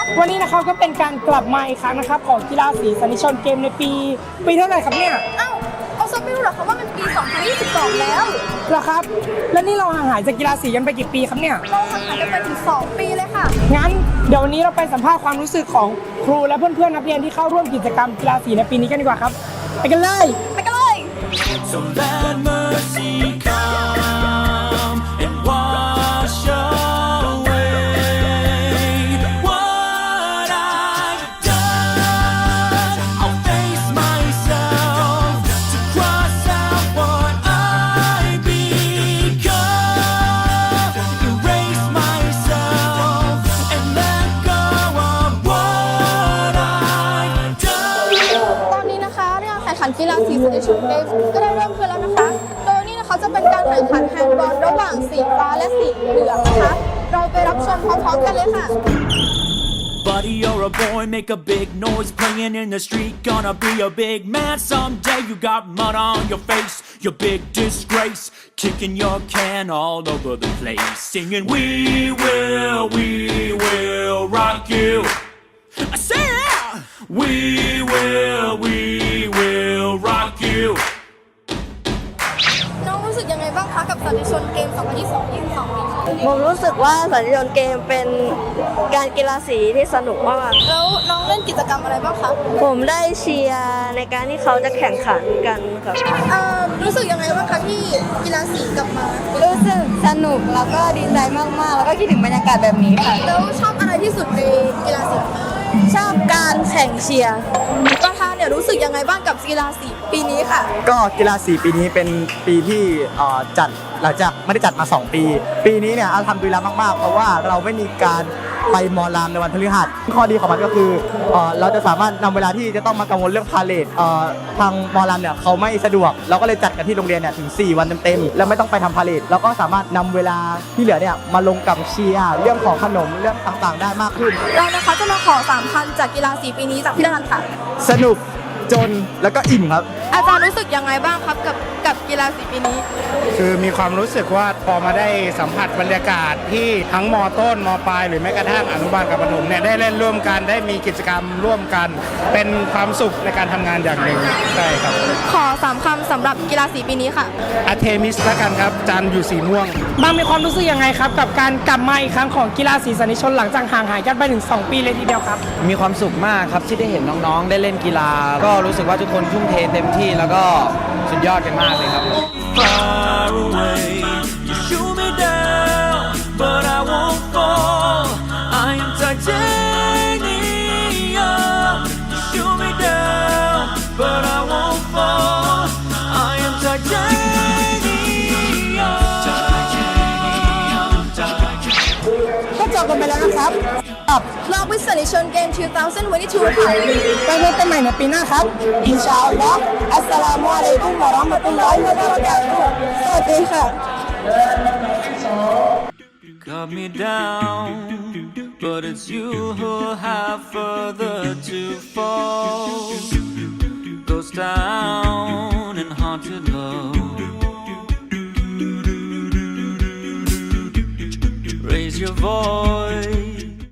วันนี้นะครับก็เป็นการกลับมาอีกครั้งนะครับของกีฬาสีสันนิชนเกมในปีเท่าไหร่ครับเนี่ยอ้าวเอาซะไม่รู้เหรอคะว่ามันปี 2022 แล้วเหรอครับแล้วนี่เราห่างหายจากกีฬาสีกันไปกี่ปีครับเนี่ยเราห่างหายกันไปถึง 2 ปีเลยค่ะงั้นเดี๋ยววันนี้เราไปสัมภาษณ์ความรู้สึกของครูและเพื่อนๆนักเรียนที่เข้าร่วมกิจกรรมกีฬาสีในปีนี้กันดีกว่าครับไปกันเลยไปกันเลย So let mercy come and wash away what I've done. I'll face myself to cross out what I become. Erase myself and let go of what I've done. ตอนนี้นะคะเรื่องแข่งขันกีฬาสีสันนิชนเกมก็ได้เริ่มขึ้นแล้วนะคะ โดยนี่นะคะจะเป็นการแข่งขันแฮนด์บอลระหว่างสีฟ้าและสีเหลืองนะคะ เราไปรับชมพร้อมๆกันเลยค่ะ Buddy, you're a boy, make a big noise playing in the street. Gonna be a big man someday. You got mud on your face, your big disgrace. Kicking your can all over the place. Singing, we will rock you. I say yeah! We will rock you. น้องรู้สึกยังไงบ้างคะกับสันนิชนเกม 2022 ผมรู้สึกว่าสัญญาณเกมเป็นการกีฬาสีที่สนุกมากแล้วน้องเล่นกิจกรรมอะไรบ้างคะผมได้เชียร์ในการที่เขาจะแข่งขันกันครับรู้สึกยังไงบ้างคะที่กีฬาสีกลับมารู้สึกสนุกแล้วก็ดีใจมากๆ แล้วก็คิดถึงบรรยากาศแบบนี้ค่ะแล้วชอบอะไรที่สุดในกีฬาสีชอบการแข่งเชียร์ประธานเนี่ยรู้สึกยังไงบ้างกับกีฬาสีปีนี้ค่ะก็กีฬาสีปีนี้เป็นปีที่จัดหลังจากไม่ได้จัดมา 2 ปี ปีนี้เนี่ยทำดีแล้วมากๆเพราะว่าเราไม่มีการไปมอลามในวันพฤหัสข้อดีของมันก็คือเราจะสามารถนำเวลาที่จะต้องมากังวลเรื่องพาเลททางมอลามเนี่ยเขาไม่สะดวกเราก็เลยจัดกันที่โรงเรียนเนี่ยถึง4 วันเต็มๆแล้วไม่ต้องไปทำพาเลทเราก็สามารถนำเวลาที่เหลือเนี่ยมาลงกับเชียร์เรื่องของขนมเรื่องต่างๆได้มากขึ้นเรานะคะจะมาขอ3คำจากกีฬาสีปีนี้จากพี่นันท์ค่ะสนุกจนแล้วก็อิ่มครับอาจารย์รู้สึกยังไงบ้างครับกับกีฬาสีปีนี้คือมีความรู้สึกว่าพอมาได้สัมผัสบรรยากาศที่ทั้งมต้นมปลายหรือแม้กระทั่งอนุบาลกับประถมเนี่ยได้เล่นร่วมกันได้มีกิจกรรมร่วมกัน เป็นความสุขในการทำงานอย่างหนึ่งใช่ครับขอ3คำสำหรับกีฬาสีปีนี้ค่ะอาเทมิสละกันครับจันทร์อยู่สีม่วงบางมีความรู้สึกยังไงครับกับการกลับมาอีกครั้งของกีฬาสีสันนิชนหลังจากห่างหายกันไปถึง 2 ปีเลยทีเดียวครับมีความสุขมากครับที่ได้เห็นน้องๆ ได้เล่นกีฬา ก็รู้สึกว่าทุกคนทุ่มเทเต็มที่แล้วก็สุดยอดกันมากเลยครับ Far away, you shoot me down, but I won't fall. I am titanium. You shoot me down, but I won't fall. I am titanium. ก็จบกันไปแล้วนะครับกับรอบวิสันนิชนเกม 2022 ค่ะไปพบกันใหม่ในปีหน้าครับ อินชาอัลลอฮ์อัสสลามุอะลัยกุมวะเราะห์มะตุลลอฮิวะบะเราะกาตุฮ์สวัสดีค่ะ Cut me down, but it's you who have further to fall. Goes down in haunted love. Raise your voice.